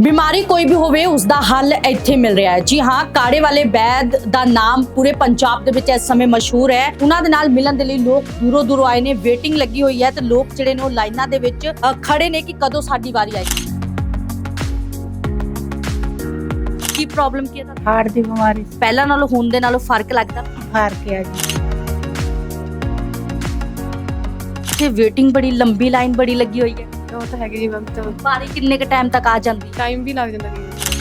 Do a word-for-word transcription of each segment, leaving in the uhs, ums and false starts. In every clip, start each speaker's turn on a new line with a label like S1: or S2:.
S1: ਬਿਮਾਰੀ ਕੋਈ ਵੀ ਹੋਵੇ ਉਸ ਦਾ ਹੱਲ ਇੱਥੇ ਮਿਲ ਰਿਹਾ ਹੈ। ਜੀ ਹਾਂ, ਕਾੜੇ ਵਾਲੇ ਵੈਦ ਦਾ ਨਾਮ ਪੂਰੇ ਪੰਜਾਬ ਦੇ ਵਿੱਚ ਇਸ ਸਮੇਂ ਮਸ਼ਹੂਰ ਹੈ। ਉਹਨਾਂ ਦੇ ਨਾਲ ਮਿਲਣ ਦੇ ਲਈ ਲੋਕ ਦੂਰੋਂ ਦੂਰੋਂ ਆਏ ਨੇ, ਵੇਟਿੰਗ ਲੱਗੀ ਹੋਈ ਹੈ ਤੇ ਲੋਕ ਜਿਹੜੇ ਨੇ ਉਹ ਲਾਈਨਾਂ ਦੇ ਵਿੱਚ ਅ, ਖੜੇ ਨੇ ਕਿ ਕਦੋਂ ਸਾਡੀ ਵਾਰੀ ਆਏਗੀ। ਕੀ ਪ੍ਰੋਬਲਮ ਕੀ ਹੈ ਤੁਹਾਨੂੰ?
S2: ਹਾਰਟ ਦੀ ਬਿਮਾਰੀ
S1: ਪਹਿਲਾਂ ਨਾਲੋਂ ਹੁਣ ਦੇ ਨਾਲੋਂ ਫਰਕ ਲੱਗਦਾ?
S2: ਫਰਕ ਹੈ ਜੀ।
S1: ਤੇ ਵੇਟਿੰਗ ਬੜੀ ਲੰਬੀ ਲਾਈਨ ਬੜੀ ਲੱਗੀ ਹੋਈ ਹੈ।
S2: ਉਹ ਤਾਂ ਹੈਗੀ ਜੀ ਵਕਤ
S1: ਵਾਰੀ ਕਿੰਨੇ ਕ ਟਾਈਮ ਤੱਕ ਆ ਜਾਂਦੀ?
S2: ਟਾਈਮ ਵੀ ਲੱਗ ਜਾਂਦਾ ਜੀ।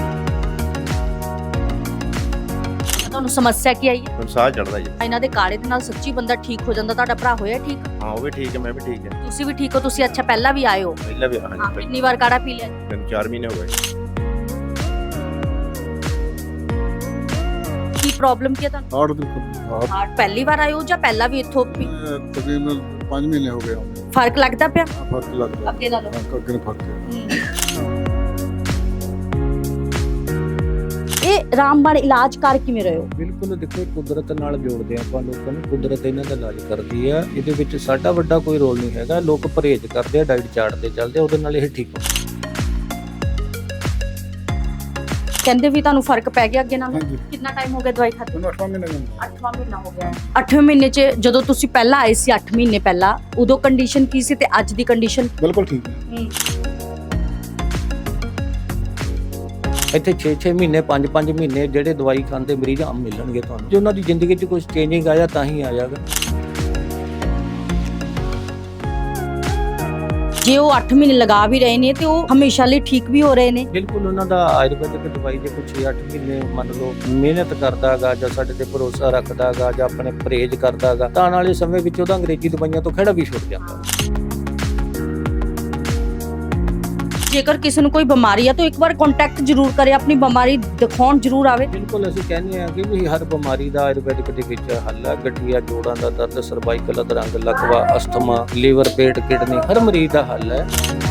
S1: ਤੁਹਾਨੂੰ ਸਮੱਸਿਆ ਕੀ ਆਈ ਹੈ?
S3: ਮੈਨੂੰ ਸਾਹ ਚੜਦਾ ਜੀ।
S1: ਇਹਨਾਂ ਦੇ ਕਾੜੇ ਦੇ ਨਾਲ ਸੱਚੀ ਬੰਦਾ ਠੀਕ ਹੋ ਜਾਂਦਾ। ਤੁਹਾਡਾ ਭਰਾ ਹੋਇਆ ਠੀਕ?
S3: ਹਾਂ ਉਹ ਵੀ ਠੀਕ ਹੈ, ਮੈਂ ਵੀ ਠੀਕ ਹੈ।
S1: ਤੁਸੀਂ ਵੀ ਠੀਕ ਹੋ? ਤੁਸੀਂ ਅੱਛਾ ਪਹਿਲਾਂ ਵੀ ਆਏ ਹੋ?
S3: ਪਹਿਲਾਂ ਵੀ
S1: ਹਾਂ,
S3: ਹਾਂਜੀ
S1: ਕਿੰਨੀ ਵਾਰ ਕਾੜਾ ਪੀ ਲਿਆ?
S3: ਮੈਨੂੰ ਚਾਰ ਮਹੀਨੇ ਹੋ ਗਏ।
S1: ਕੀ ਪ੍ਰੋਬਲਮ ਕੀ ਹੈ ਤੁਹਾਨੂੰ?
S4: ਹਾਰਟ ਦੀ ਹਾਰਟ
S1: ਹਾਰਟ ਪਹਿਲੀ ਵਾਰ ਆਏ ਹੋ ਜਾਂ ਪਹਿਲਾਂ ਵੀ ਇੱਥੋਂ ਪੀ-
S4: ਤਕਰੀਬਨ ਪੰਜ ਮਹੀਨੇ ਹੋ ਗਏ ਆਉਂਦੇ
S1: ਫਰਕ ਲੱਗਦਾ ਪਿਆ
S4: ਆ। ਫਰਕ ਲੱਗਦਾ
S1: ਅੱਗੇ ਨਾਲੋਂ?
S4: ਹਾਂ, ਅੱਗੇ ਨੂੰ ਫਰਕ ਹੈ।
S1: ਇਹ ਰਾਮਬਾਣ ਇਲਾਜ ਕਰ ਕਿਵੇਂ ਰਹੇ ਹੋ?
S5: ਬਿਲਕੁਲ ਦੇਖੋ, ਇਹ ਕੁਦਰਤ ਨਾਲ ਜੋੜਦੇ ਆਪਾਂ ਲੋਕਾਂ ਨੂੰ। ਕੁਦਰਤ ਇਹਨਾਂ ਦਾ ਇਲਾਜ ਕਰਦੀ ਆ। ਇਹਦੇ ਵਿੱਚ ਸਾਡਾ ਵੱਡਾ ਕੋਈ ਰੋਲ ਨਹੀਂ ਹੈਗਾ। ਲੋਕ ਪਰਹੇਜ਼ ਕਰਦੇ ਆ, ਡਾਈਟ ਚਾਰਟ ਤੇ ਚੱਲਦੇ ਆ, ਉਹਦੇ ਨਾਲ ਇਹ ਠੀਕ ਹੋ।
S1: ਕਹਿੰਦੇ ਵੀ ਤੁਹਾਨੂੰ ਫਰਕ ਪੈ ਗਿਆ ਅੱਗੇ ਨਾਲੋਂ?
S4: ਹਾਂਜੀ।
S1: ਕਿੰਨਾ ਟਾਈਮ ਹੋ ਗਿਆ ਦਵਾਈ ਖਾਤੇ?
S4: ਮੈਨੂੰ ਅੱਠਵਾਂ ਮਹੀਨਾ ਜਾਂਦਾ।
S1: ਅੱਠਵਾਂ ਮਹੀਨਾ ਹੋ ਗਿਆ ਹੈ। ਅੱਠਵੇਂ ਮਹੀਨੇ 'ਚ ਜਦੋਂ ਤੁਸੀਂ ਪਹਿਲਾਂ ਆਏ ਸੀ ਅੱਠ ਮਹੀਨੇ ਪਹਿਲਾਂ, ਉਦੋਂ ਕੰਡੀਸ਼ਨ ਕੀ ਸੀ ਤੇ ਅੱਜ ਦੀ ਕੰਡੀਸ਼ਨ?
S4: ਬਿਲਕੁਲ ਠੀਕ ਹੈ।
S5: ਇੱਥੇ ਛੇ ਛੇ ਮਹੀਨੇ ਪੰਜ ਪੰਜ ਮਹੀਨੇ ਜਿਹੜੇ ਦਵਾਈ ਖਾਂਦੇ ਮਰੀਜ਼ ਆਮ ਮਿਲਣਗੇ ਤੁਹਾਨੂੰ। ਜੇ ਉਹਨਾਂ ਦੀ ਜ਼ਿੰਦਗੀ 'ਚ ਕੁਝ ਚੇਂਜਿੰਗ ਆਇਆ ਤਾਂ ਹੀ ਆਇਆਗਾ।
S1: ਜੇ ਉਹ ਅੱਠ ਮਹੀਨੇ ਲਗਾ ਵੀ ਰਹੇ ਨੇ ਤੇ ਉਹ ਹਮੇਸ਼ਾ ਲਈ ਠੀਕ ਵੀ ਹੋ ਰਹੇ ਨੇ?
S5: ਬਿਲਕੁਲ ਉਹਨਾਂ ਦਾ ਆਯੁਰਵੈਦਿਕ ਦਵਾਈ ਜੇ ਕੁਝ ਛੇ ਅੱਠ ਮਹੀਨੇ ਮੰਨ ਲਓ ਮਿਹਨਤ ਕਰਦਾਗਾ ਜਾਂ ਸਾਡੇ ਤੇ ਭਰੋਸਾ ਰੱਖਦਾਗਾ ਜਾਂ ਆਪਣੇ ਪਰਹੇਜ਼ ਕਰਦਾਗਾ ਤਾਂ ਆਉਣ ਵਾਲੇ ਸਮੇਂ ਵਿੱਚ ਉਹਦਾ ਅੰਗਰੇਜ਼ੀ ਦਵਾਈਆਂ ਤੋਂ ਖਹਿੜਾ ਵੀ ਛੁੱਟ ਜਾਂਦਾ।
S1: ਜੇਕਰ ਕਿਸੇ ਨੂੰ ਕੋਈ ਬਿਮਾਰੀ ਆ ਤਾਂ ਇੱਕ ਵਾਰ ਕੰਟੈਕਟ ਜ਼ਰੂਰ ਕਰੇ, ਆਪਣੀ ਬਿਮਾਰੀ ਦਿਖਾਉਣ ਜ਼ਰੂਰ ਆਵੇ।
S5: ਬਿਲਕੁਲ ਅਸੀਂ ਕਹਿੰਦੇ ਹਾਂ ਕਿ ਵੀ ਹਰ ਬਿਮਾਰੀ ਦਾ ਆਯੁਰਵੈਦਿਕ ਦੇ ਵਿੱਚ ਹੱਲ ਹੈ। ਗਠੀਆ, ਜੋੜਾਂ ਦਾ ਦਰਦ, ਸਰਵਾਈਕਲ ਅਧਰੰਗ, ਲਕਵਾ, ਅਸਥਮਾ, ਲੀਵਰ, ਪੇਟ, ਕਿਡਨੀ, ਹਰ ਮਰੀਜ਼ ਦਾ ਹੱਲ ਹੈ।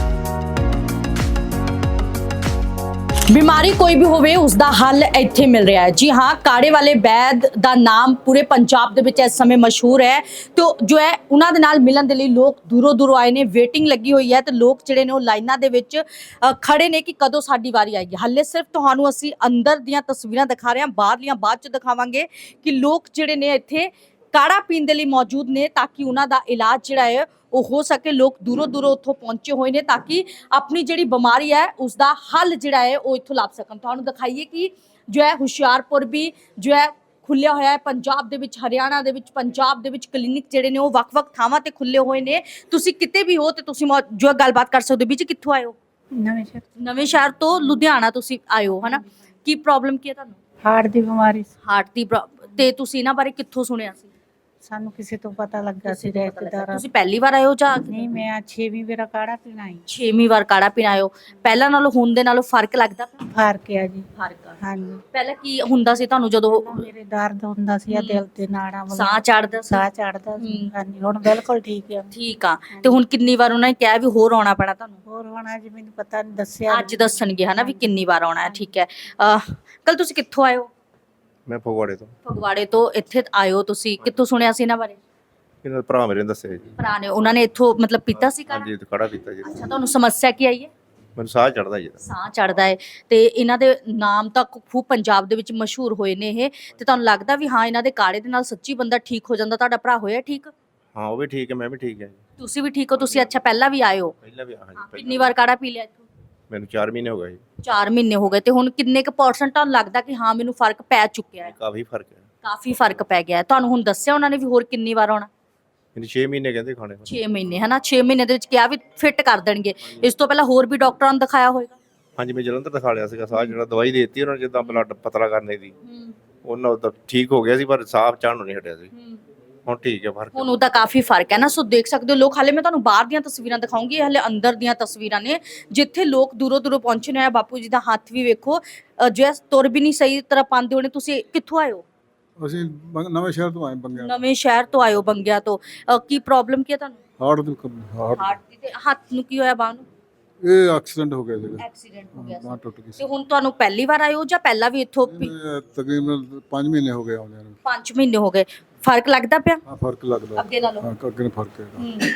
S1: ਬਿਮਾਰੀ ਕੋਈ ਵੀ ਹੋਵੇ ਉਸ ਦਾ ਹੱਲ ਇੱਥੇ ਮਿਲ ਰਿਹਾ ਹੈ। ਜੀ ਹਾਂ, ਕਾੜੇ ਵਾਲੇ ਵੈਦ ਦਾ ਨਾਮ ਪੂਰੇ ਪੰਜਾਬ ਦੇ ਵਿੱਚ ਇਸ ਸਮੇਂ ਮਸ਼ਹੂਰ ਹੈ ਤੇ ਜੋ ਹੈ ਉਹਨਾਂ ਦੇ ਨਾਲ ਮਿਲਣ ਦੇ ਲਈ ਲੋਕ ਦੂਰੋਂ ਦੂਰੋਂ ਆਏ ਨੇ, ਵੇਟਿੰਗ ਲੱਗੀ ਹੋਈ ਹੈ ਤੇ ਲੋਕ ਜਿਹੜੇ ਨੇ ਉਹ ਲਾਈਨਾਂ ਦੇ ਵਿੱਚ ਅ, ਖੜੇ ਨੇ ਕਿ ਕਦੋਂ ਸਾਡੀ ਵਾਰੀ ਆਏਗੀ। ਹਾਲੇ ਸਿਰਫ ਤੁਹਾਨੂੰ ਅਸੀਂ ਅੰਦਰ ਦੀਆਂ ਤਸਵੀਰਾਂ ਦਿਖਾ ਰਹੇ ਹਾਂ, ਬਾਹਰਲੀਆਂ ਬਾਅਦ ਚ ਦਿਖਾਵਾਂਗੇ ਕਿ ਲੋਕ ਜਿਹੜੇ ਨੇ ਇੱਥੇ ਕਾੜਾ ਪੀਣ ਦੇ ਲਈ ਮੌਜੂਦ ਨੇ ਤਾਂ ਕਿ ਉਹਨਾਂ ਦਾ ਇਲਾਜ ਜਿਹੜਾ ਹੈ ਉਹ ਹੋ ਸਕੇ। ਲੋਕ ਦੂਰੋਂ ਦੂਰੋਂ ਉੱਥੋਂ ਪਹੁੰਚੇ ਹੋਏ ਨੇ ਤਾਂ ਕਿ ਆਪਣੀ ਜਿਹੜੀ ਬਿਮਾਰੀ ਹੈ ਉਸ ਦਾ ਹੱਲ ਜਿਹੜਾ ਹੈ ਉਹ ਇੱਥੋਂ ਲੱਭ ਸਕਣ। ਤੁਹਾਨੂੰ ਦਿਖਾਈਏ ਕਿ ਜੋ ਹੈ ਹੁਸ਼ਿਆਰਪੁਰ ਵੀ ਜੋ ਹੈ ਖੁੱਲਿਆ ਹੋਇਆ ਹੈ। ਪੰਜਾਬ ਦੇ ਵਿੱਚ, ਹਰਿਆਣਾ ਦੇ ਵਿੱਚ, ਪੰਜਾਬ ਦੇ ਵਿੱਚ ਕਲੀਨਿਕ ਜਿਹੜੇ ਨੇ ਉਹ ਵੱਖ-ਵੱਖ ਥਾਵਾਂ ਤੇ ਖੁੱਲੇ ਹੋਏ ਨੇ। ਤੁਸੀਂ ਕਿਤੇ ਵੀ ਹੋ ਤੇ ਤੁਸੀਂ ਮੌ- ਜੋ ਹੈ ਗੱਲਬਾਤ ਕਰ ਸਕਦੇ ਹੋ। ਵਿੱਚ ਕਿੱਥੋਂ ਆਏ ਹੋ?
S2: ਨਵੇਂ ਸ਼ਹਿਰ
S1: ਨਵੇਂ ਸ਼ਹਿਰ ਤੋਂ ਲੁਧਿਆਣਾ ਤੁਸੀਂ ਆਏ ਹੋ, ਹਨਾ? ਕੀ ਪ੍ਰੋਬਲਮ ਕੀ ਹੈ ਤੁਹਾਨੂੰ?
S2: ਹਾਰਟ ਦੀ ਬਿਮਾਰੀ
S1: ਹਾਰਟ ਦੀ ਪ੍ਰੋ- ਤੇ ਤੁਸੀਂ ਇਹਨਾਂ ਬਾਰੇ ਕਿੱਥੋਂ ਸੁਣਿਆ ਸੀ?
S2: ਸਾਨੂੰ ਕਿਸੇ ਤੋਂ ਪਤਾ ਲੱਗਾ ਸੀ ਰਿਸ਼ਤੇਦਾਰਾਂ।
S1: ਤੁਸੀਂ ਪਹਿਲੀ ਵਾਰ ਆਏ ਹੋ ਜਾਂ
S2: ਨਹੀਂ, ਮੈਂ ਛੇਵੀਂ ਵਾਰ ਕਾੜਾ ਪੀਣਾ ਆਈ।
S1: ਛੇਵੀਂ ਵਾਰ ਕਾੜਾ ਪੀਣ ਆਏ ਹੋ? ਪਹਿਲਾਂ ਨਾਲੋਂ ਹੁਣ ਦੇ ਨਾਲੋਂ ਫਰਕ ਲੱਗਦਾ?
S2: ਫਰਕ ਹੈ ਜੀ।
S1: ਫਰਕ ਆ।
S2: ਹਾਂਜੀ।
S1: ਪਹਿਲਾਂ ਕੀ ਹੁੰਦਾ ਸੀ ਤੁਹਾਨੂੰ ਜਦੋਂ
S2: ਮੇਰੇ ਦਰਦ ਹੁੰਦਾ ਸੀ ਆ ਦਿਲ ਤੇ ਨਾੜਾਂ ਵਗੈਰਾ,
S1: ਸਾਹ ਚੜਦਾ ਸੀ?
S2: ਸਾਹ ਚੜਦਾ ਸੀ।
S1: ਹੂੰ।
S2: ਹਾਂਜੀ, ਹੁਣ ਬਿਲਕੁਲ ਠੀਕ ਹੈ।
S1: ਠੀਕ ਆ। ਤੇ ਹੁਣ ਕਿੰਨੀ ਵਾਰ ਉਹਨਾਂ ਨੇ ਕਿਹਾ ਵੀ ਹੋਰ ਆਉਣਾ ਪੈਣਾ ਤੁਹਾਨੂੰ?
S2: ਹੋਰ ਹੁਣ ਅੱਜ ਮੈਨੂੰ ਪਤਾ ਨਹੀਂ ਦੱਸਿਆ।
S1: ਅੱਜ ਦੱਸਣਗੇ ਹਨਾ ਵੀ ਕਿੰਨੀ ਵਾਰ ਆਉਣਾ ਹੈ। ਠੀਕ ਹੈ। ਕੱਲ ਤੁਸੀਂ ਕਿੱਥੋਂ ਆਏ ਹੋ?
S3: ਮੈਂ ਫਗਵਾੜੇ ਤੋਂ।
S1: ਫਗਵਾੜੇ ਤੋਂ ਇੱਥੇ ਆਏ ਹੋ ਤੁਸੀਂ? ਕਿੱਥੋਂ ਸੁਣਿਆ ਸੀ ਇਹਨਾਂ ਬਾਰੇ?
S3: ਇਹਨਾਂ ਦਾ ਭਰਾ ਮੇਰੇ ਨੇ ਦੱਸਿਆ ਜੀ।
S1: ਭਰਾ ਨੇ, ਉਹਨਾਂ ਨੇ ਇੱਥੋਂ ਮਤਲਬ ਪੀਤਾ ਸੀ ਕਾੜਾ?
S3: ਹਾਂਜੀ ਕਾੜਾ ਪੀਤਾ ਜੀ।
S1: ਅੱਛਾ, ਤੁਹਾਨੂੰ ਸਮੱਸਿਆ ਕੀ ਆਈ ਹੈ?
S3: ਮੈਨੂੰ ਸਾਹ ਚੜਦਾ ਜੀ।
S1: ਸਾਹ ਚੜਦਾ ਹੈ ਤੇ ਇਹਨਾਂ ਦੇ ਨਾਮ ਤਾਂ ਖੂਬ ਪੰਜਾਬ ਦੇ ਵਿੱਚ ਮਸ਼ਹੂਰ ਹੋਏ ਨੇ ਇਹ, ਤੇ ਤੁਹਾਨੂੰ ਲੱਗਦਾ ਵੀ ਹਾਂ ਇਹਨਾਂ ਦੇ ਕਾੜੇ ਦੇ ਨਾਲ ਸੱਚੀ ਬੰਦਾ ਠੀਕ ਹੋ ਜਾਂਦਾ? ਤੁਹਾਡਾ ਭਰਾ ਹੋਇਆ ਠੀਕ?
S3: ਹਾਂ ਉਹ ਵੀ ਠੀਕ ਹੈ, ਮੈਂ ਵੀ ਠੀਕ ਹੈ ਜੀ।
S1: ਤੁਸੀਂ ਵੀ ਠੀਕ ਹੋ? ਤੁਸੀਂ ਅੱਛਾ ਪਹਿਲਾਂ ਵੀ ਆਏ ਹੋ?
S3: ਪਹਿਲਾਂ ਵੀ ਹਾਂਜੀ
S1: ਕਿੰਨੀ
S3: ਪਹਿਲਾਂ
S1: ਵਾਰ ਕਾੜਾ ਪੀ ਲਿਆ ਇੱਥੋਂ?
S3: ਮੈਨੂੰ ਚਾਰ ਮਹੀਨੇ ਹੋ ਗਏ ਜੀ।
S1: ਚਾਰ ਮਹੀਨੇ ਹੋ ਗਏ ਤੇ ਹੁਣ ਕਿੰਨੇ ਕੁ ਪਰਸੈਂਟ ਤੁਹਾਨੂੰ ਲੱਗਦਾ ਕਿ ਹਾਂ ਮੈਨੂੰ ਫਰਕ ਪੈ ਚੁੱਕਿਆ ਹੈ?
S3: ਕਾਫੀ ਫਰਕ ਹੈ।
S1: ਕਾਫੀ ਫਰਕ ਪੈ ਗਿਆ ਹੈ। ਤੁਹਾਨੂੰ ਹੁਣ ਦੱਸਿਆ ਉਹਨਾਂ ਨੇ ਵੀ ਹੋਰ ਕਿੰਨੀ ਵਾਰ ਆਉਣਾ?
S3: ਮੈਨੂੰ ਛੇ ਮਹੀਨੇ ਕਹਿੰਦੇ ਖਾਣੇ ਨੂੰ।
S1: ਛੇ ਮਹੀਨੇ ਹਨਾ? ਛੇ ਮਹੀਨੇ ਦੇ ਵਿੱਚ ਕਿਹਾ ਵੀ ਫਿੱਟ ਕਰ ਦੇਣਗੇ। ਇਸ ਤੋਂ ਪਹਿਲਾਂ ਹੋਰ ਵੀ ਡਾਕਟਰਾਂ ਨੂੰ ਦਿਖਾਇਆ ਹੋਵੇਗਾ?
S3: ਹਾਂਜੀ ਮੈਂ ਜਲੰਧਰ ਦਿਖਾ ਲਿਆ ਸੀਗਾ। ਸਾਹ ਜਿਹੜਾ ਦਵਾਈ ਦੇ ਦਿੱਤੀ ਉਹਨਾਂ ਨੇ ਜਿੱਦਾਂ ਬਲੱਡ ਪਤਲਾ ਕਰਨੇ ਦੀ, ਉਹਨਾਂ ਉਹ ਤਾਂ ਠੀਕ ਹੋ ਗਿਆ ਸੀ ਪਰ ਸਾਹ ਚੜ੍ਹਨ ਨੂੰ ਨਹੀਂ ਹਟਿਆ ਸੀ। ਹੁਣ ਠੀਕ ਹੈ ਫਰਕ।
S1: ਹੁਣ ਉਹਦਾ ਕਾਫੀ ਫਰਕ ਹੈ ਨਾ। ਸੋ ਦੇਖ ਸਕਦੇ ਹੋ ਲੋਕ। ਹਾਲੇ ਮੈਂ ਤੁਹਾਨੂੰ ਬਾਹਰ ਦੀਆਂ ਤਸਵੀਰਾਂ ਦਿਖਾਉਂਗੀ, ਹਾਲੇ ਅੰਦਰ ਦੀਆਂ ਤਸਵੀਰਾਂ ਨੇ ਜਿੱਥੇ ਲੋਕ ਦੂਰੋਂ ਦੂਰੋਂ ਪਹੁੰਚੇ ਨੇ। ਬਾਪੂ ਜੀ ਦਾ ਹੱਥ ਵੀ ਵੇਖੋ, ਜੋ ਤੁਰ ਵੀ ਨਹੀਂ ਸਹੀ ਤਰ੍ਹਾਂ ਪਾਉਂਦੇ ਹੋਣੇ। ਤੁਸੀਂ ਕਿੱਥੋਂ ਆਏ ਹੋ?
S4: ਅਸੀਂ ਬੰ- ਨਵੇਂ ਸ਼ਹਿਰ ਤੋਂ ਆਏ ਬੰਗਿਆ।
S1: ਨਵੇਂ ਸ਼ਹਿਰ ਤੋਂ ਆਏ ਹੋ, ਬੰਗਿਆ ਤੋਂ। ਅ, ਕੀ ਪ੍ਰੋਬਲਮ ਕੀ ਹੈ ਤੁਹਾਨੂੰ?
S4: ਹਾਰਟ ਦੀ ਹਾਰਟ
S1: ਹਾਰਟ ਦੀ। ਤੇ ਹੱਥ ਨੂੰ ਕੀ ਹੋਇਆ? ਬਾਂਹ ਨੂੰ
S4: ਇਹ ਐਕਸੀਡੈਂਟ ਹੋ ਗਿਆ ਸੀਗਾ।
S1: ਐਕਸੀਡੈਂਟ ਹੋ ਗਿਆ
S4: ਬਾਂਹ
S1: ਸੀ।
S4: ਟੁੱਟ ਗਈ
S1: ਤੇ
S4: ਸੀ।
S1: ਹੁਣ ਤੁਹਾਨੂੰ ਪਹਿਲੀ ਵਾਰ ਆਏ ਹੋ ਜਾਂ ਪਹਿਲਾਂ ਵੀ ਇੱਥੋਂ ਪੀ-
S4: ਇਹ ਤਕਰੀਬਨ ਪੰਜ ਮਹੀਨੇ ਹੋ ਗਏ ਆਉਂਦੇ ਨੂੰ।
S1: ਪੰਜ ਮਹੀਨੇ ਹੋ ਗਏ? ਫਰਕ ਲੱਗਦਾ ਪਿਆ
S4: ਹਾਂ ਫਰਕ ਲੱਗਦਾ।
S1: ਅੱਗੇ ਨਾਲੋਂ?
S4: ਹਾਂ ਅੱਗੇ ਨੂੰ ਫਰਕ ਹੈ।
S1: ਹੂੰ।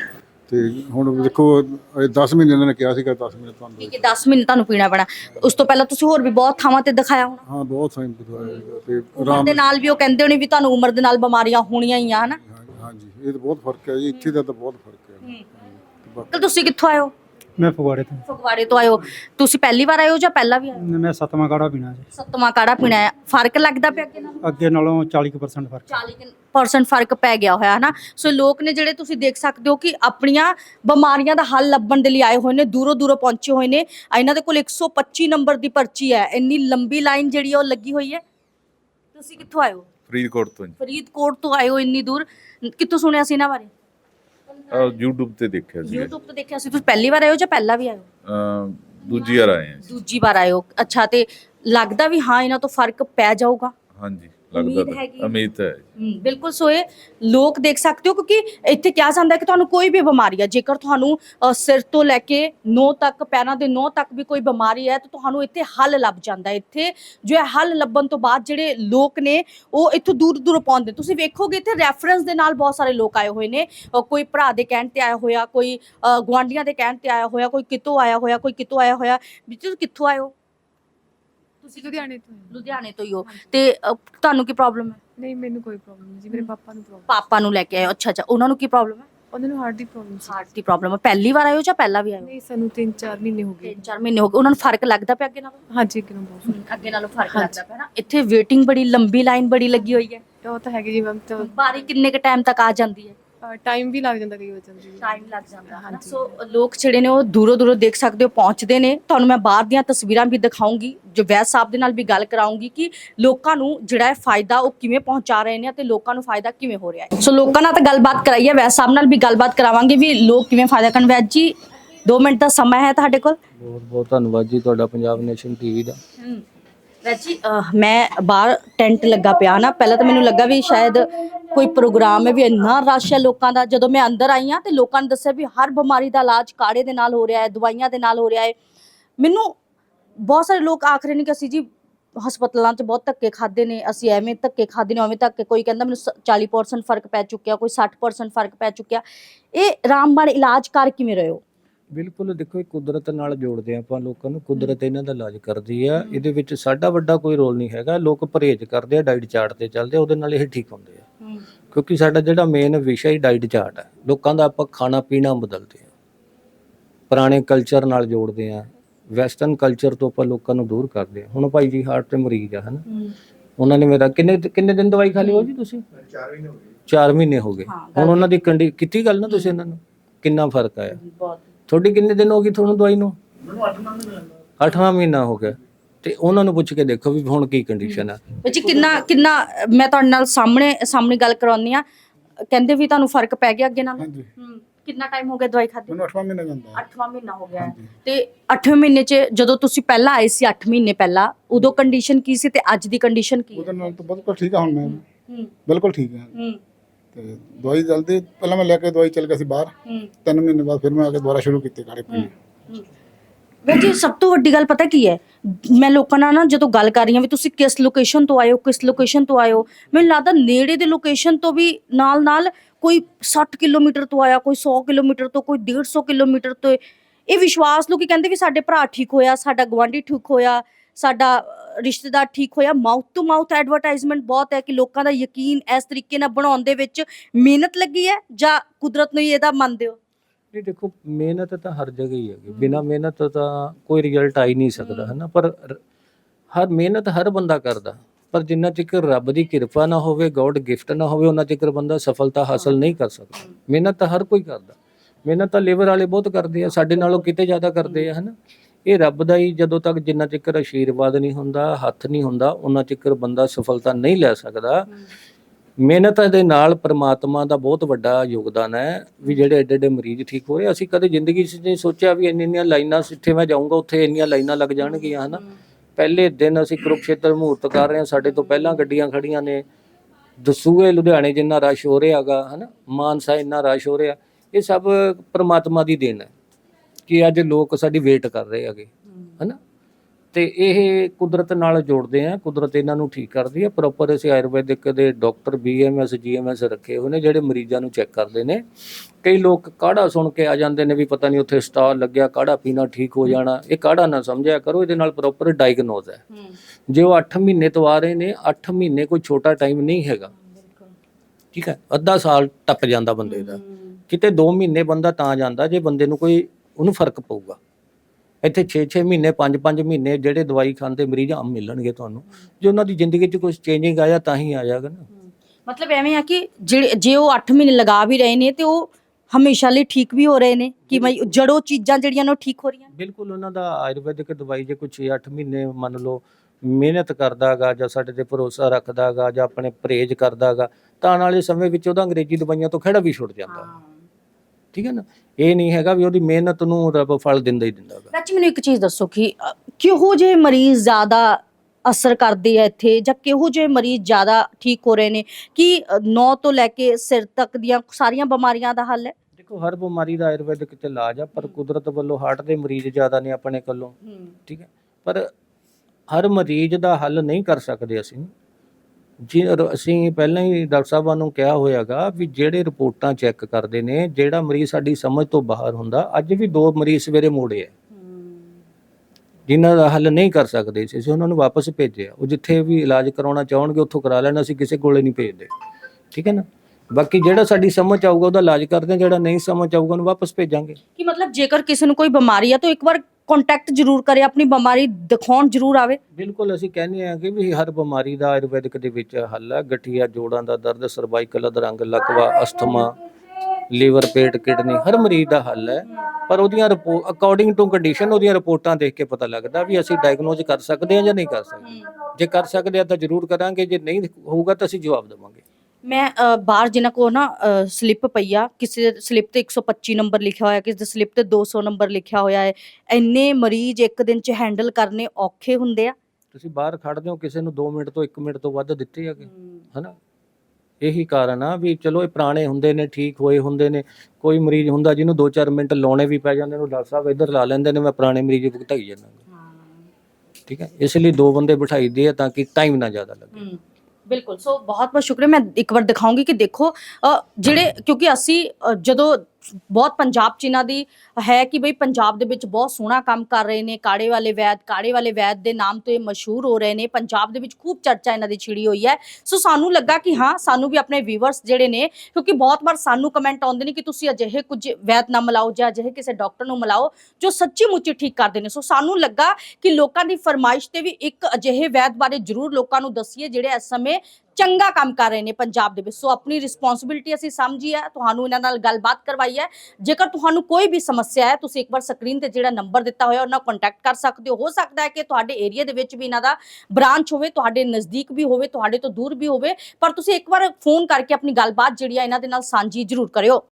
S4: ਤੇ ਹੁਣ ਦੇਖੋ ਇਹ ਦਸ ਮਹੀਨੇ ਇਹਨਾਂ ਨੇ ਕਿਹਾ ਸੀਗਾ, ਦਸ ਮਹੀਨੇ ਤੁਹਾਨੂੰ
S1: ਠੀਕ ਹੈ ਦਸ ਮਹੀਨੇ ਤੁਹਾਨੂੰ ਪੀਣਾ ਪੈਣਾ। ਉਸ ਤੋਂ ਪਹਿਲਾਂ ਤੁਸੀਂ ਹੋਰ ਵੀ ਬਹੁਤ ਥਾਵਾਂ ਤੇ ਦਿਖਾਇਆ ਹੋਣਾ
S4: ਹਾਂ ਬਹੁਤ ਸਾਈਨ ਦਵਾਇਆ ਸੀਗਾ ਤੇ
S1: ਉਮਰ
S4: ਆਰਾਮ
S1: ਦੇ ਨਾਲ ਵੀ ਉਹ ਕਹਿੰਦੇ ਹੋਣੇ ਵੀ ਤੁਹਾਨੂੰ ਉਮਰ ਦੇ ਨਾਲ ਬਿਮਾਰੀਆਂ ਹੋਣੀਆਂ ਹੀ ਆ ਹਨਾ।
S4: ਹਾਂਜੀ ਇਹ ਤਾਂ ਬਹੁਤ ਫਰਕ ਹੈ ਜੀ, ਇੱਥੇ ਦਾ ਤਾਂ ਬਹੁਤ ਫਰਕ ਹੈ। ਤੇ ਬਾਕੀ
S1: ਅੰਕਲ ਤੁਸੀਂ ਕਿੱਥੋਂ ਆਏ ਹੋ?
S6: ਮੈਂ ਫਗਵਾੜੇ ਤੋਂ।
S1: ਫਗਵਾੜੇ ਤੋਂ ਆਏ ਹੋ। ਤੁਸੀਂ ਪਹਿਲੀ ਵਾਰ ਆਏ ਹੋ ਜਾਂ ਪਹਿਲਾਂ ਵੀ ਆਏ ਹੋ?
S6: ਮੈਂ ਸੱਤਵਾਂ ਕਾੜਾ ਪੀਣਾ ਜੀ।
S1: ਸੱਤਵਾਂ ਕਾੜਾ ਪੀਣਾ ਹੈ। ਫਰਕ ਲੱਗਦਾ ਪਿਆ ਅੱਗੇ ਨਾਲੋਂ?
S6: ਅੱਗੇ ਨਾਲੋਂ ਚਾਲੀ ਕੁ ਪਰਸੈਂਟ ਫਰਕ।
S1: ਚਾਲੀ ਪਰਸੈਂਟ ਫਰਕ ਪੈ ਗਿਆ ਹੋਇਆ ਹਨਾ। ਸੋ ਲੋਕ ਨੇ ਜਿਹੜੇ ਤੁਸੀਂ ਦੇਖ ਸਕਦੇ ਹੋ ਕਿ ਆਪਣੀਆਂ ਬਿਮਾਰੀਆਂ ਦਾ ਹੱਲ ਲੱਭਣ ਦੇ ਲਈ ਆਏ ਹੋਏ ਨੇ, ਦੂਰੋਂ ਦੂਰੋਂ ਪਹੁੰਚੇ ਹੋਏ ਨੇ। ਇਹਨਾਂ ਦੇ ਕੋਲ ਇੱਕ ਸੌ ਪੱਚੀ ਨੰਬਰ ਦੀ ਪਰਚੀ ਹੈ। ਇੰਨੀ ਲੰਬੀ ਲਾਈਨ ਜਿਹੜੀ ਹੈ ਉਹ ਲੱਗੀ ਹੋਈ ਹੈ। ਤੁਸੀਂ ਕਿੱਥੋਂ ਆਏ ਹੋ?
S7: ਫਰੀਦਕੋਟ ਤੋਂ ਜੀ।
S1: ਫਰੀਦਕੋਟ ਤੋਂ ਆਏ ਹੋ ਇੰਨੀ ਦੂਰ। ਕਿੱਥੋਂ ਸੁਣਿਆ ਸੀ ਇਹਨਾਂ ਬਾਰੇ?
S7: ਆਹ YouTube ਤੇ ਦੇਖਿਆ ਸੀ।
S1: YouTube ਤੋਂ ਦੇਖਿਆ ਸੀ। ਤੁਸੀਂ ਪਹਿਲੀ ਵਾਰ ਆਏ ਹੋ ਜਾਂ ਪਹਿਲਾਂ ਵੀ ਆਏ ਹੋ?
S7: ਅਹ ਦੂਜੀ ਵਾਰ ਆਏ ਹਾਂ ਜੀ।
S1: ਦੂਜੀ ਵਾਰ ਆਏ ਹੋ। ਅੱਛਾ, ਤੇ ਲੱਗਦਾ ਵੀ ਹਾਂ ਇਹਨਾਂ ਤੋਂ ਫਰਕ ਪੈ ਜਾਊਗਾ?
S7: ਹਾਂਜੀ
S1: ਉਮੀਦ
S7: ਲੱਗਦਾ
S1: ਹੈਗੀ?
S7: ਤਾਂ ਉਮੀਦ ਤਾਂ ਹੈ ਜੀ।
S1: ਹਮ, ਬਿਲਕੁਲ। ਸੋ ਇਹ ਲੋਕ ਦੇਖ ਸਕਦੇ ਹੋ ਕਿਉਂਕਿ ਇੱਥੇ ਕਿਹਾ ਜਾਂਦਾ ਹੈ ਕਿ ਤੁਹਾਨੂੰ ਕੋਈ ਵੀ ਬਿਮਾਰੀ ਹੈ, ਜੇਕਰ ਤੁਹਾਨੂੰ ਅ, ਸਿਰ ਤੋਂ ਲੈ ਕੇ ਨੋਹ ਤੱਕ, ਪੈਰਾਂ ਦੇ ਨੋਹ ਤੱਕ ਵੀ ਕੋਈ ਬਿਮਾਰੀ ਹੈ ਤਾਂ ਤੁਹਾਨੂੰ ਇੱਥੇ ਹੱਲ ਲੱਭ ਜਾਂਦਾ ਹੈ। ਇੱਥੇ ਜੋ ਹੈ ਹੱਲ ਲੱਭਣ ਤੋਂ ਬਾਅਦ ਜਿਹੜੇ ਲੋਕ ਨੇ ਉਹ ਇੱਥੋਂ ਦੂਰ ਦੂਰ ਪਹੁੰਚਦੇ। ਤੁਸੀਂ ਵੇਖੋਗੇ ਇੱਥੇ ਰੈਫਰੈਂਸ ਦੇ ਨਾਲ ਬਹੁਤ ਸਾਰੇ ਲੋਕ ਆਏ ਹੋਏ ਨੇ। ਅ, ਕੋਈ ਭਰਾ ਦੇ ਕਹਿਣ ਤੇ ਆਇਆ ਹੋਇਆ, ਕੋਈ ਅ, ਗੁਆਂਢੀਆਂ ਦੇ ਕਹਿਣ ਤੇ ਆਇਆ ਹੋਇਆ, ਕੋਈ ਕਿਤੋਂ ਆਇਆ ਹੋਇਆ, ਕੋਈ ਕਿਤੋਂ ਆਇਆ ਹੋਇਆ। ਵੀ ਤੁਸੀਂ ਕਿੱਥੋਂ ਆਏ ਹੋ?
S8: ਤੁਸੀਂ ਲੁਧਿਆਣੇ ਤੋਂ?
S1: ਲੁਧਿਆਣੇ ਤੋਂ ਹੀ ਹੋ। ਤੇ ਅ, ਤੁਹਾਨੂੰ ਕੀ ਪ੍ਰੋਬਲਮ ਹੈ?
S8: ਨਹੀਂ ਮੈਨੂੰ ਕੋਈ ਪ੍ਰੋਬਲਮ ਨਹੀਂ ਜੀ, ਮੇਰੇ ਪਾਪਾ ਨੂੰ ਪ੍ਰੋਬਲਮ।
S1: ਪਾਪਾ ਨੂੰ ਲੈ ਕੇ ਆਏ ਹੋ। ਅੱਛਾ ਅੱਛਾ, ਉਹਨਾਂ ਨੂੰ ਕੀ ਪ੍ਰੋਬਲਮ ਹੈ?
S8: ਉਹਨਾਂ ਨੂੰ ਹਾਰਟ ਦੀ ਪ੍ਰੋਬਲਮ ਸੀ।
S1: ਹਾਰਟ ਦੀ ਪ੍ਰੋਬਲਮ ਹੈ। ਪਹਿਲੀ ਵਾਰ ਆਏ ਹੋ ਜਾਂ ਪਹਿਲਾਂ ਵੀ ਆਏ ਹੋ?
S8: ਨਹੀਂ ਸਾਨੂੰ ਤਿੰਨ ਚਾਰ ਮਹੀਨੇ ਹੋ ਗਏ।
S1: ਤਿੰਨ ਚਾਰ ਮਹੀਨੇ ਹੋ ਗਏ। ਉਹਨਾਂ ਨੂੰ ਫਰਕ ਲੱਗਦਾ ਪਿਆ ਅੱਗੇ ਨਾਲੋਂ?
S8: ਹਾਂਜੀ ਕਿਨੂੰ ਬਹੁਤ
S1: ਅੱਗੇ ਨਾਲੋਂ ਫਰਕ ਲੱਗਦਾ ਪਿਆ ਨਾ। ਇੱਥੇ ਵੇਟਿੰਗ ਬੜੀ ਲੰਬੀ ਲਾਈਨ ਬੜੀ ਲੱਗੀ ਹੋਈ ਹੈ।
S8: ਉਹ ਤਾਂ ਹੈਗੀ ਜੀ ਮੈਮ। ਤਾਂ
S1: ਬਾਰੀ ਕਿੰਨੇ ਕ ਟਾਈਮ ਤੱਕ ਆ ਜਾਂਦੀ ਹੈ?
S8: ਟਾਈਮ ਵੀ ਲੱਗ ਜਾਂਦਾ ਕਈ ਵਾਰ ਜਾਂਦੀ ਜੀ।
S1: ਟਾਈਮ ਲੱਗ ਜਾਂਦਾ ਹੈ। ਸੋ ਲੋਕ ਜਿਹੜੇ ਨੇ ਉਹ ਦੂਰੋਂ ਦੂਰੋਂ ਦੇਖ ਸਕਦੇ ਹੋ ਪਹੁੰਚਦੇ ਨੇ। ਤੁਹਾਨੂੰ ਮੈਂ ਬਾਹਰ ਦੀਆਂ ਤਸਵੀਰਾਂ ਵੀ ਦਿਖਾਉਂਗੀ, ਜੋ ਵੈਦ ਸਾਹਿਬ ਦੇ ਨਾਲ ਵੀ ਗੱਲ ਕਰਾਉਂਗੀ ਕਿ ਲੋਕਾਂ ਨੂੰ ਜਿਹੜਾ ਹੈ ਫਾਇਦਾ ਉਹ ਕਿਵੇਂ ਪਹੁੰਚਾ ਰਹੇ ਨੇ ਤੇ ਲੋਕਾਂ ਨੂੰ ਫਾਇਦਾ ਕਿਵੇਂ ਹੋ ਰਿਹਾ ਹੈ। ਸੋ ਲੋਕਾਂ ਨਾਲ ਤਾਂ ਗੱਲਬਾਤ ਕਰਾਈ ਹੈ, ਵੈਦ ਸਾਹਿਬ ਨਾਲ ਵੀ ਗੱਲਬਾਤ ਕਰਾਵਾਂਗੇ ਵੀ ਲੋਕ ਕਿਵੇਂ ਫਾਇਦਾ ਕਰਨ। ਵੈਦ ਜੀ ਦੋ ਮਿੰਟ ਦਾ ਸਮਾਂ ਹੈ ਤੁਹਾਡੇ ਕੋਲ?
S5: ਬਹੁਤ ਬਹੁਤ ਧੰਨਵਾਦ ਜੀ ਤੁਹਾਡਾ ਪੰਜਾਬ ਨੇਸ਼ਨ ਟੀਵੀ ਦਾ।
S1: ਵੈਦ ਜੀ ਅਹ ਮੈਂ ਬਾਹਰ ਟੈਂਟ ਲੱਗਾ ਪਿਆ ਨਾ, ਪਹਿਲਾਂ ਤਾਂ ਮੈਨੂੰ ਲੱਗਾ ਵੀ ਸ਼ਾਇਦ ਕੋਈ ਪ੍ਰੋਗਰਾਮ ਹੈ, ਵੀ ਇੰਨਾ ਰਸ਼ ਹੈ ਲੋਕਾਂ ਦਾ। ਜਦੋਂ ਮੈਂ ਅੰਦਰ ਆਈ ਹਾਂ ਤੇ ਲੋਕਾਂ ਨੇ ਦੱਸਿਆ ਵੀ ਹਰ ਬਿਮਾਰੀ ਦਾ ਇਲਾਜ ਕਾੜੇ ਦੇ ਨਾਲ ਹੋ ਰਿਹਾ ਹੈ, ਦਵਾਈਆਂ ਦੇ ਨਾਲ ਹੋ ਰਿਹਾ ਹੈ। ਮੈਨੂੰ ਬਹੁਤ ਸਾਰੇ ਲੋਕ ਆਖ ਰਹੇ ਨੇ ਕਿ ਅਸੀਂ ਜੀ ਹਸਪਤਾਲਾਂ 'ਚ ਬਹੁਤ ਧੱਕੇ ਖਾਦੇ ਨੇ, ਅਸੀਂ ਐਵੇਂ ਧੱਕੇ ਖਾਦੇ ਨੇ, ਉਵੇਂ ਧੱਕੇ। ਕੋਈ ਕਹਿੰਦਾ ਮੈਨੂੰ ਚਾਲੀ ਪਰਸੈਂਟ ਫਰਕ ਪੈ ਚੁੱਕਿਆ, ਕੋਈ ਸੱਠ ਪਰਸੈਂਟ ਫਰਕ ਪੈ ਚੁੱਕਿਆ। ਇਹ ਰਾਮਬਾਣ ਇਲਾਜ ਕਰ ਕਿਵੇਂ ਰਹੇ ਹੋ?
S5: ਬਿਲਕੁਲ ਦੇਖੋ, ਇਹ ਕੁਦਰਤ ਨਾਲ ਜੋੜਦੇ ਆ ਆਪਾਂ ਲੋਕਾਂ ਨੂੰ। ਕੁਦਰਤ ਇਹਨਾਂ ਦਾ ਇਲਾਜ ਕਰਦੀ ਆ। ਇਹਦੇ ਵਿੱਚ ਸਾਡਾ ਵੱਡਾ ਕੋਈ ਰੋਲ ਨਹੀਂ ਹੈਗਾ। ਲੋਕ ਪਰਹੇਜ਼ ਕਰਦੇ ਆ, ਡਾਈਟ ਚਾਰਟ ਤੇ ਚੱਲਦੇ ਆ, ਉਹਦੇ ਨਾਲ ਇਹ ਠੀਕ ਹੁੰਦੇ ਆ। ਕਿਉਂਕਿ ਸਾਡਾ ਜਿਹੜਾ ਮੇਨ ਵਿਸ਼ਾ ਹੀ ਡਾਈਟ ਚਾਰਟ ਹੈ। ਲੋਕਾਂ ਦਾ ਆਪਾਂ ਖਾਣਾ ਪੀਣਾ ਬਦਲਦੇ ਆ, ਪੁਰਾਣੇ ਕਲਚਰ ਨਾਲ ਜੋੜਦੇ ਆ, ਵੈਸਟਰਨ ਕਲਚਰ ਤੋਂ ਆਪਾਂ ਲੋਕਾਂ ਨੂੰ ਦੂਰ ਕਰਦੇ ਆ। ਹੁਣ ਭਾਈ ਜੀ ਹਾਰਟ ਤੇ ਮਰੀਜ਼ ਆ ਹਨਾ, ਉਹਨਾਂ ਨੇ ਮੇਰਾ ਕਿੰਨੇ ਕਿੰਨੇ ਦਿਨ ਦਵਾਈ ਖਾ ਲਈ ਹੋ ਜੀ ਤੁਸੀਂ? ਚਾਰ ਮਹੀਨੇ ਹੋ ਗਏ। ਚਾਰ ਮਹੀਨੇ ਹੋ ਗਏ। ਹੁਣ ਉਹਨਾਂ ਦੀ ਕੰਡੀ ਕੀਤੀ ਗੱਲ ਨਾ ਤੁਸੀਂ, ਇਹਨਾਂ ਨੂੰ ਕਿੰਨਾ ਫਰਕ ਆਇਆ? ਤੁਹਾਡੀ ਕਿੰਨੇ ਦਿਨ ਹੋ ਗਈ ਤੁਹਾਨੂੰ ਦਵਾਈ ਨੂੰ? ਅੱਠਵਾਂ ਮਹੀਨਾ ਹੋ ਗਿਆ। ਤੇ ਉਹਨਾਂ ਨੂੰ ਪੁੱਛ ਕੇ ਦੇਖੋ ਵੀ ਹੁਣ ਕੀ ਕੰਡੀਸ਼ਨ ਆ।
S1: ਜੀ ਕਿੰਨਾ ਕਿੰਨਾ ਮੈਂ ਤੁਹਾਡੇ ਨਾਲ ਸਾਹਮਣੇ ਸਾਹਮਣੇ ਗੱਲ ਕਰਵਾਉਂਦੀ ਆ। ਕਹਿੰਦੇ ਵੀ ਤੁਹਾਨੂੰ ਫਰਕ ਪੈ ਗਿਆ ਅੱਗੇ ਨਾਲ?
S4: ਹਾਂਜੀ
S1: ਹੂੰ। ਕਿੰਨਾ ਟਾਈਮ ਹੋ ਗਿਆ ਦਵਾਈ ਖਾਦੀ?
S4: ਮੈਨੂੰ ਅੱਠਵਾਂ ਮਹੀਨਾ ਜਾਂਦਾ ਹੈ।
S1: ਅੱਠਵਾਂ ਮਹੀਨਾ ਹੋ ਗਿਆ ਹੈ। ਤੇ ਅੱਠਵੇਂ ਮਹੀਨੇ 'ਚ ਜਦੋਂ ਤੁਸੀਂ ਪਹਿਲਾਂ ਆਏ ਸੀ ਅੱਠ ਮਹੀਨੇ ਪਹਿਲਾਂ, ਉਦੋਂ ਕੰਡੀਸ਼ਨ ਕੀ ਸੀ ਤੇ ਅੱਜ ਦੀ ਕੰਡੀਸ਼ਨ ਕੀ ਹੈ?
S4: ਉਹਦੇ ਨਾਲ ਤਾਂ ਬਿਲਕੁਲ ਠੀਕ ਆ ਹੁਣ ਮੈਂ।
S1: ਹੂੰ
S4: ਬਿਲਕੁਲ ਠੀਕ ਹੈ।
S1: ਹੂੰ
S4: ਤੇ ਦਵਾਈ ਜਲਦੀ ਪਹਿਲਾਂ ਮੈਂ ਲੈ ਕੇ ਦਵਾਈ ਚੱਲ ਗਿਆ ਸੀ ਬਾਹਰ।
S1: ਹੂੰ
S4: ਤਿੰਨ ਮਹੀਨੇ ਬਾਅਦ ਫਿਰ ਮੈਂ ਆ ਕੇ ਦੁਬਾਰਾ ਸ਼ੁਰੂ ਕੀਤੀ ਕਾੜੇ ਪੀਣੇ।
S1: ਵੈਸੇ ਸਭ ਤੋਂ ਵੱਡੀ ਗੱਲ ਪਤਾ ਕੀ ਹੈ, ਮੈਂ ਲੋਕਾਂ ਨਾਲ ਨਾ ਜਦੋਂ ਗੱਲ ਕਰ ਰਹੀ ਹਾਂ ਵੀ ਤੁਸੀਂ ਕਿਸ ਲੋਕੇਸ਼ਨ ਤੋਂ ਆਏ ਹੋ, ਕਿਸ ਲੋਕੇਸ਼ਨ ਤੋਂ ਆਏ ਹੋ, ਮੈਨੂੰ ਲੱਗਦਾ ਨੇੜੇ ਦੇ ਲੋਕੇਸ਼ਨ ਤੋਂ ਵੀ ਨਾਲ ਨਾਲ ਕੋਈ ਸੱਠ ਕਿਲੋਮੀਟਰ ਤੋਂ ਆਇਆ, ਕੋਈ ਸੌ ਕਿਲੋਮੀਟਰ ਤੋਂ, ਕੋਈ ਡੇਢ ਸੌ ਕਿਲੋਮੀਟਰ ਤੋਂ। ਇਹ ਵਿਸ਼ਵਾਸ ਲੋਕੀ ਕਹਿੰਦੇ ਵੀ ਸਾਡੇ ਭਰਾ ਠੀਕ ਹੋਇਆ, ਸਾਡਾ ਗੁਆਂਢੀ ਠੀਕ ਹੋਇਆ, ਸਾਡਾ ਰਿਸ਼ਤੇਦਾਰ ਠੀਕ ਹੋਇਆ। ਮਾਊਥ ਟੂ ਮਾਊਥ ਐਡਵਰਟਾਈਜ਼ਮੈਂਟ ਬਹੁਤ ਹੈ ਕਿ ਲੋਕਾਂ ਦਾ ਯਕੀਨ ਇਸ ਤਰੀਕੇ ਨਾਲ ਬਣਾਉਣ ਦੇ ਵਿੱਚ ਮਿਹਨਤ ਲੱਗੀ ਹੈ ਜਾਂ ਕੁਦਰਤ ਨੂੰ ਹੀ ਇਹਦਾ ਮੰਨਦੇ ਹੋ?
S5: ਨਹੀਂ ਦੇਖੋ, ਮਿਹਨਤ ਤਾਂ ਹਰ ਜਗ੍ਹਾ ਹੀ ਹੈਗੀ। ਬਿਨਾਂ ਮਿਹਨਤ ਤਾਂ ਕੋਈ ਰਿਜ਼ਲਟ ਆ ਹੀ ਨਹੀਂ ਸਕਦਾ ਹੈ ਨਾ। ਪਰ ਹਰ ਮਿਹਨਤ ਹਰ ਬੰਦਾ ਕਰਦਾ, ਪਰ ਜਿੰਨਾ ਚਿਰ ਰੱਬ ਦੀ ਕਿਰਪਾ ਨਾ ਹੋਵੇ, ਗੋਡ ਗਿਫਟ ਨਾ ਹੋਵੇ, ਉਹਨਾਂ ਚਿਰ ਬੰਦਾ ਸਫਲਤਾ ਹਾਸਲ ਨਹੀਂ ਕਰ ਸਕਦਾ। ਮਿਹਨਤ ਤਾਂ ਹਰ ਕੋਈ ਕਰਦਾ। ਮਿਹਨਤ ਤਾਂ ਲੇਬਰ ਵਾਲੇ ਬਹੁਤ ਕਰਦੇ ਆ, ਸਾਡੇ ਨਾਲੋਂ ਕਿਤੇ ਜ਼ਿਆਦਾ ਕਰਦੇ ਆ ਹੈ ਨਾ। ਇਹ ਰੱਬ ਦਾ ਹੀ, ਜਦੋਂ ਤੱਕ ਜਿੰਨਾ ਚਿਰ ਆਸ਼ੀਰਵਾਦ ਨਹੀਂ ਹੁੰਦਾ, ਹੱਥ ਨਹੀਂ ਹੁੰਦਾ, ਉਹਨਾਂ ਚਿਰ ਬੰਦਾ ਸਫਲਤਾ ਨਹੀਂ ਲੈ ਸਕਦਾ। ਮਿਹਨਤ ਦੇ ਨਾਲ ਪਰਮਾਤਮਾ ਦਾ ਬਹੁਤ ਵੱਡਾ ਯੋਗਦਾਨ ਹੈ ਵੀ ਜਿਹੜੇ ਐਡੇ ਐਡੇ ਮਰੀਜ਼ ਠੀਕ ਹੋ ਰਹੇ। ਅਸੀਂ ਕਦੇ ਜ਼ਿੰਦਗੀ 'ਚ ਨਹੀਂ ਸੋਚਿਆ ਵੀ ਇੰਨੀਆਂ ਇੰਨੀਆਂ ਲਾਈਨਾਂ, ਜਿੱਥੇ ਮੈਂ ਜਾਊਂਗਾ ਉੱਥੇ ਇੰਨੀਆਂ ਲਾਈਨਾਂ ਲੱਗ ਜਾਣਗੀਆਂ ਹੈ ਨਾ। ਪਹਿਲੇ ਦਿਨ ਅਸੀਂ ਕੁਰੂਕਸ਼ੇਤਰ ਮਹੂਰਤ ਕਰ ਰਹੇ ਹਾਂ, ਸਾਡੇ ਤੋਂ ਪਹਿਲਾਂ ਗੱਡੀਆਂ ਖੜੀਆਂ ਨੇ। ਦਸੂਹੇ ਲੁਧਿਆਣੇ ਜਿੰਨਾ ਰਸ਼ ਹੋ ਰਿਹਾ ਹੈਗਾ ਹੈ ਨਾ, ਮਾਨਸਾ ਇੰਨਾ ਰਸ਼ ਹੋ ਰਿਹਾ, ਇਹ ਸਭ ਪਰਮਾਤਮਾ ਦੀ ਦੇਣ ਹੈ ਕਿ ਅੱਜ ਲੋਕ ਸਾਡੀ ਵੇਟ ਕਰ ਰਹੇ ਹੈਗੇ ਹੈ ਨਾ। ਤੇ ਇਹ ਕੁਦਰਤ ਨਾਲ ਜੋੜਦੇ ਆ, ਕੁਦਰਤ ਇਹਨਾਂ ਨੂੰ ਠੀਕ ਕਰਦੀ ਹੈ। ਪ੍ਰੋਪਰ ਅਸੀਂ ਆਯੁਰਵੈਦਿਕ ਦੇ doctor B M S G M S ਰੱਖੇ ਹੋਏ ਨੇ ਜਿਹੜੇ ਮਰੀਜ਼ਾਂ ਨੂੰ ਚੈੱਕ ਕਰਦੇ ਨੇ। ਕਈ ਲੋਕ ਕਾੜਾ ਸੁਣ ਕੇ ਆ ਜਾਂਦੇ ਨੇ ਵੀ ਪਤਾ ਨਹੀਂ ਉੱਥੇ ਸਟਾਲ ਲੱਗਿਆ, ਕਾੜਾ ਪੀਣਾ ਠੀਕ ਹੋ ਜਾਣਾ। ਇਹ ਕਾੜਾ ਨਾ ਸਮਝਿਆ ਕਰੋ, ਇਹਦੇ ਨਾਲ ਪ੍ਰੋਪਰ ਡਾਇਗਨੋਜ਼ ਹੈ। ਜੇ ਉਹ ਅੱਠ ਮਹੀਨੇ ਤੋਂ ਆ ਰਹੇ ਨੇ, ਅੱਠ ਮਹੀਨੇ ਕੋਈ ਛੋਟਾ ਟਾਈਮ ਨਹੀਂ ਹੈਗਾ, ਠੀਕ ਹੈ। ਅੱਧਾ ਸਾਲ ਟੱਪ ਜਾਂਦਾ ਬੰਦੇ ਦਾ, ਕਿਤੇ ਦੋ ਮਹੀਨੇ ਬੰਦਾ ਤਾਂ ਜਾਂਦਾ ਜੇ ਬੰਦੇ ਨੂੰ ਕੋਈ ਉਹਨੂੰ ਫਰਕ ਪਊਗਾ। ਇੱਥੇ ਛੇ ਛੇ ਮਹੀਨੇ ਪੰਜ ਪੰਜ ਮਹੀਨੇ ਜਿਹੜੇ ਦਵਾਈ ਖਾਂਦੇ ਮਰੀਜ਼ ਆਮ ਮਿਲਣਗੇ ਤੁਹਾਨੂੰ। ਜੇ ਉਹਨਾਂ ਦੀ ਜ਼ਿੰਦਗੀ 'ਚ ਕੁਝ ਚੇਂਜਿੰਗ ਆਇਆ ਤਾਂ ਹੀ ਆਇਆਗਾ ਨਾ।
S1: ਮਤਲਬ ਐਵੇਂ ਆ ਕਿ ਜਿਹੜੇ ਜੇ ਉਹ ਅੱਠ ਮਹੀਨੇ ਲਗਾ ਵੀ ਰਹੇ ਨੇ ਤੇ ਉਹ ਹਮੇਸ਼ਾ ਲਈ ਠੀਕ ਵੀ ਹੋ ਰਹੇ ਨੇ ਕਿ ਬਈ ਜੜੋਂ ਚੀਜ਼ਾਂ ਜਿਹੜੀਆਂ ਨੇ ਉਹ ਠੀਕ ਹੋ ਰਹੀਆਂ।
S5: ਬਿਲਕੁਲ ਉਹਨਾਂ ਦਾ ਆਯੁਰਵੈਦਿਕ ਦਵਾਈ ਜੇ ਕੋਈ ਛੇ ਅੱਠ ਮਹੀਨੇ ਮੰਨ ਲਓ ਮਿਹਨਤ ਕਰਦਾ ਗਾ ਜਾਂ ਸਾਡੇ ਤੇ ਭਰੋਸਾ ਰੱਖਦਾ ਗਾ ਜਾਂ ਆਪਣੇ ਪਰਹੇਜ਼ ਕਰਦਾ ਗਾ ਤਾਂ ਆਉਣ ਵਾਲੇ ਸਮੇਂ ਵਿੱਚ ਉਹਦਾ ਅੰਗਰੇਜ਼ੀ ਦਵਾਈਆਂ ਤੋਂ ਖਹਿੜਾ ਵੀ ਛੁੱਟ ਜਾਂਦਾ। ਠੀਕ ਹੈ ਨਾ। ਇਹ ਨਹੀਂ ਹੈਗਾ ਵੀ ਉਹਦੀ ਮਿਹਨਤ ਨੂੰ ਰੱਬ ਫਲ ਦਿੰਦਾ ਹੀ ਦਿੰਦਾ ਗਾ।
S1: ਚਾਚੀ ਮੈਨੂੰ ਇੱਕ ਚੀਜ਼ ਦੱਸੋ ਕਿ ਅ, ਕਿਹੋ ਜਿਹੇ ਮਰੀਜ਼ ਜ਼ਿਆਦਾ ਅਸਰ ਕਰਦੇ ਆ ਇੱਥੇ ਜਾਂ ਕਿਹੋ ਜਿਹੇ ਮਰੀਜ਼ ਜ਼ਿਆਦਾ ਠੀਕ ਹੋ ਰਹੇ ਨੇ ਕਿ ਨੌ ਤੋਂ ਲੈ ਕੇ ਸਿਰ ਤੱਕ ਦੀਆਂ ਸਾਰੀਆਂ ਬਿਮਾਰੀਆਂ ਦਾ ਹੱਲ ਹੈ?
S5: ਦੇਖੋ ਹਰ ਬਿਮਾਰੀ ਦਾ ਆਯੁਰਵੈਦਿਕ ਚ ਇਲਾਜ ਆ, ਪਰ ਕੁਦਰਤ ਵੱਲੋਂ ਹਾਰਟ ਦੇ ਮਰੀਜ਼ ਜ਼ਿਆਦਾ ਨੇ ਆਪਣੇ ਕੋਲੋਂ, ਠੀਕ ਹੈ। ਪਰ ਹਰ ਮਰੀਜ਼ ਦਾ ਹੱਲ ਨਹੀਂ ਕਰ ਸਕਦੇ ਅਸੀਂ। ਜੀ ਰ- ਅਸੀਂ ਪਹਿਲਾਂ ਹੀ ਡਾਕਟਰ ਸਾਹਿਬਾਂ ਨੂੰ ਕਿਹਾ ਹੋਇਆਗਾ ਵੀ ਜਿਹੜੇ ਰਿਪੋਰਟਾਂ ਚੈੱਕ ਕਰਦੇ ਨੇ, ਜਿਹੜਾ ਮਰੀਜ਼ ਸਾਡੀ ਸਮਝ ਤੋਂ ਬਾਹਰ ਹੁੰਦਾ, ਅੱਜ ਵੀ ਦੋ ਮਰੀਜ਼ ਸਵੇਰੇ ਮੋੜੇ ਆ ਜਿਨ੍ਹਾਂ ਦਾ ਹੱਲ ਨਹੀਂ ਕਰ ਸਕਦੇ ਸੀ, ਅਸੀਂ ਉਹਨਾਂ ਨੂੰ ਵਾਪਸ ਭੇਜਿਆ। ਉਹ ਜਿੱਥੇ ਵੀ ਇਲਾਜ ਕਰਾਉਣਾ ਚਾਹਣਗੇ ਉੱਥੋਂ ਕਰਾ ਲੈਣਾ, ਅਸੀਂ ਕਿਸੇ ਕੋਲੇ ਨਹੀਂ ਭੇਜਦੇ, ਠੀਕ ਹੈ ਨਾ। ਬਾਕੀ ਜਿਹੜਾ ਸਾਡੀ ਸਮਝ ਆਊਗਾ ਉਹਦਾ ਇਲਾਜ ਕਰਦੇ ਹਾਂ, ਜਿਹੜਾ ਨਹੀਂ ਸਮਝ ਆਊਗਾ ਉਹਨੂੰ ਵਾਪਸ ਭੇਜਾਂਗੇ।
S1: ਕਿ ਮਤਲਬ ਜੇਕਰ ਕਿਸੇ ਨੂੰ ਕੋਈ ਬਿਮਾਰੀ ਆ ਤਾਂ ਇੱਕ ਵਾਰ ਕੰਟੈਕਟ ਜ਼ਰੂਰ ਕਰੇ, ਆਪਣੀ ਬਿਮਾਰੀ ਦਿਖਾਉਣ ਜ਼ਰੂਰ ਆਵੇ।
S5: ਬਿਲਕੁਲ ਅਸੀਂ ਕਹਿੰਦੇ ਹਾਂ ਕਿ ਵੀ ਹਰ ਬਿਮਾਰੀ ਦਾ ਆਯੁਰਵੈਦਿਕ ਦੇ ਵਿੱਚ ਹੱਲ ਹੈ। ਗਠੀਆ, ਜੋੜਾਂ ਦਾ ਦਰਦ, ਸਰਵਾਈਕਲ ਅਧਰੰਗ, ਲਕਵਾ, ਅਸਥਮਾ, ਲੀਵਰ, ਪੇਟ, ਕਿਡਨੀ, ਹਰ ਮਰੀਜ਼ ਦਾ ਹੱਲ ਹੈ। ਪਰ ਉਹਦੀਆਂ ਰਿਪੋਰਟ ਅਕੋਰਡਿੰਗ ਟੂ ਕੰਡੀਸ਼ਨ, ਉਹਦੀਆਂ ਰਿਪੋਰਟਾਂ ਦੇਖ ਕੇ ਪਤਾ ਲੱਗਦਾ ਵੀ ਅਸੀਂ ਡਾਇਗਨੋਜ਼ ਕਰ ਸਕਦੇ ਹਾਂ ਜਾਂ ਨਹੀਂ ਕਰ ਸਕਦੇ। ਜੇ ਕਰ ਸਕਦੇ ਆ ਤਾਂ ਜ਼ਰੂਰ ਕਰਾਂਗੇ, ਜੇ ਨਹੀਂ ਹੋਊਗਾ ਤਾਂ ਅਸੀਂ ਜਵਾਬ ਦੇਵਾਂਗੇ।
S1: ਮੈਂ ਅ, ਬਾਹਰ ਜਿਨ੍ਹਾਂ ਕੋਲ ਨਾ ਸਲਿੱਪ ਪਈ ਆ, ਕਿਸੇ ਦੇ ਸਲਿੱਪ ਤੇ ਇੱਕ ਸੌ ਪੱਚੀ ਨੰਬਰ ਲਿਖਿਆ ਹੋਇਆ, ਕਿਸੇ ਦੇ ਸਲਿੱਪ ਤੇ ਦੋ ਸੌ ਨੰਬਰ ਲਿਖਿਆ ਹੋਇਆ ਹੈ। ਇੰਨੇ ਮਰੀਜ਼ ਇੱਕ ਦਿਨ 'ਚ ਹੈਂਡਲ ਕਰਨੇ ਔਖੇ ਹੁੰਦੇ ਆ।
S5: ਤੁਸੀਂ ਬਾਹਰ ਖੜਦੇ ਹੋ, ਕਿਸੇ ਨੂੰ ਦੋ ਮਿੰਟ ਤੋਂ ਇੱਕ ਮਿੰਟ ਤੋਂ ਵੱਧ ਦਿੱਤੇ ਹੈਗੇ, ਹਨਾ। ਇਹੀ ਕਾਰਨ ਆ ਵੀ ਚਲੋ ਇਹ ਪੁਰਾਣੇ ਹੁੰਦੇ ਨੇ, ਠੀਕ ਹੋਏ ਹੁੰਦੇ ਨੇ। ਕੋਈ ਮਰੀਜ਼ ਹੁੰਦਾ ਜਿਹਨੂੰ ਦੋ ਚਾਰ ਮਿੰਟ ਲਾਉਣੇ ਵੀ ਪੈ ਜਾਂਦੇ ਨੇ, ਡਾਕਟਰ ਸਾਹਿਬ ਇੱਧਰ ਲਾ ਲੈਂਦੇ ਨੇ, ਮੈਂ ਪੁਰਾਣੇ ਮਰੀਜ਼ ਭੁਗਤਾਈ ਜਾਂਦਾ, ਠੀਕ ਹੈ। ਇਸ ਲਈ ਦੋ ਬੰਦੇ ਬਿਠਾਈ ਦੇ ਆ ਤਾਂ ਕਿ ਟਾਈਮ ਨਾ ਜ਼ਿਆਦਾ ਲੱਗੇ।
S1: ਬਿਲਕੁਲ। ਸੋ ਬਹੁਤ ਬਹੁਤ ਸ਼ੁਕਰੀਆ। ਮੈਂ ਇੱਕ ਵਾਰ ਦਿਖਾਉਂਗੀ ਕਿ ਦੇਖੋ ਅ, ਜਿਹੜੇ ਕਿਉਂਕਿ ਅਸੀਂ ਅ, ਜਦੋਂ ਬਹੁਤ ਪੰਜਾਬ 'ਚ ਇਹਨਾਂ ਦੀ ਹੈ ਕਿ ਬਈ ਪੰਜਾਬ ਦੇ ਵਿੱਚ ਬਹੁਤ ਸੋਹਣਾ ਕੰਮ ਕਰ ਰਹੇ ਨੇ, ਕਾੜੇ ਵਾਲੇ ਵੈਦ, ਕਾੜੇ ਵਾਲੇ ਵੈਦ ਦੇ ਨਾਮ ਤੋਂ ਇਹ ਮਸ਼ਹੂਰ ਹੋ ਰਹੇ ਨੇ। ਪੰਜਾਬ ਦੇ ਵਿੱਚ ਖੂਬ ਚਰਚਾ ਇਹਨਾਂ ਦੀ ਛਿੜੀ ਹੋਈ ਹੈ। ਸੋ ਸਾਨੂੰ ਲੱਗਾ ਕਿ ਹਾਂ ਸਾਨੂੰ ਵੀ ਆਪਣੇ ਵੀਵਰਸ ਜਿਹੜੇ ਨੇ, ਕਿਉਂਕਿ ਬਹੁਤ ਵਾਰ ਸਾਨੂੰ ਕਮੈਂਟ ਆਉਂਦੇ ਨੇ ਕਿ ਤੁਸੀਂ ਅਜਿਹੇ ਕੁਝ ਵੈਦ ਨਾ ਮਿਲਾਓ ਜਾਂ ਅਜਿਹੇ ਕਿਸੇ ਡਾਕਟਰ ਨੂੰ ਮਿਲਾਓ ਜੋ ਸੱਚੀ ਮੁੱਚੀ ਠੀਕ ਕਰਦੇ ਨੇ। ਸੋ ਸਾਨੂੰ ਲੱਗਾ ਕਿ ਲੋਕਾਂ ਦੀ ਫਰਮਾਇਸ਼ ਤੇ ਵੀ ਇੱਕ ਅਜਿਹੇ ਵੈਦ ਬਾਰੇ ਜ਼ਰੂਰ ਲੋਕਾਂ ਨੂੰ ਦੱਸੀਏ ਜਿਹੜੇ ਇਸ ਸਮੇਂ ਚੰਗਾ ਕੰਮ ਕਰ ਰਹੇ ਨੇ ਪੰਜਾਬ ਦੇ ਵਿੱਚ। ਸੋ ਆਪਣੀ ਰਿਸਪੌਂਸਿਬਿਲਟੀ ਅਸੀਂ ਸਮਝੀ ਹੈ, ਤੁਹਾਨੂੰ ਇਹਨਾਂ ਨਾਲ ਗੱਲਬਾਤ ਕਰਵਾਈ ਹੈ। ਜੇਕਰ ਤੁਹਾਨੂੰ ਕੋਈ ਵੀ ਸਮੱਸਿਆ ਹੈ, ਤੁਸੀਂ ਇੱਕ ਵਾਰ ਸਕਰੀਨ ਤੇ ਜਿਹੜਾ ਨੰਬਰ ਦਿੱਤਾ ਹੋਇਆ ਉਹਨਾਂ ਨਾਲ ਕੰਟੈਕਟ ਕਰ ਸਕਦੇ ਹੋ। ਹੋ ਸਕਦਾ ਹੈ ਕਿ ਤੁਹਾਡੇ ਏਰੀਆ ਦੇ ਵਿੱਚ ਵੀ ਇਹਨਾਂ ਦਾ ਬ੍ਰਾਂਚ ਹੋਵੇ, ਤੁਹਾਡੇ ਨਜ਼ਦੀਕ ਵੀ ਹੋਵੇ, ਤੁਹਾਡੇ ਤੋਂ ਦੂਰ ਵੀ ਹੋਵੇ, ਪਰ ਤੁਸੀਂ ਇੱਕ ਵਾਰ ਫੋਨ ਕਰਕੇ ਆਪਣੀ ਗੱਲਬਾਤ ਜਿਹੜੀ ਹੈ ਇਹਨਾਂ ਦੇ ਨਾਲ ਸਾਂਝੀ ਜ਼ਰੂਰ ਕਰਿਓ।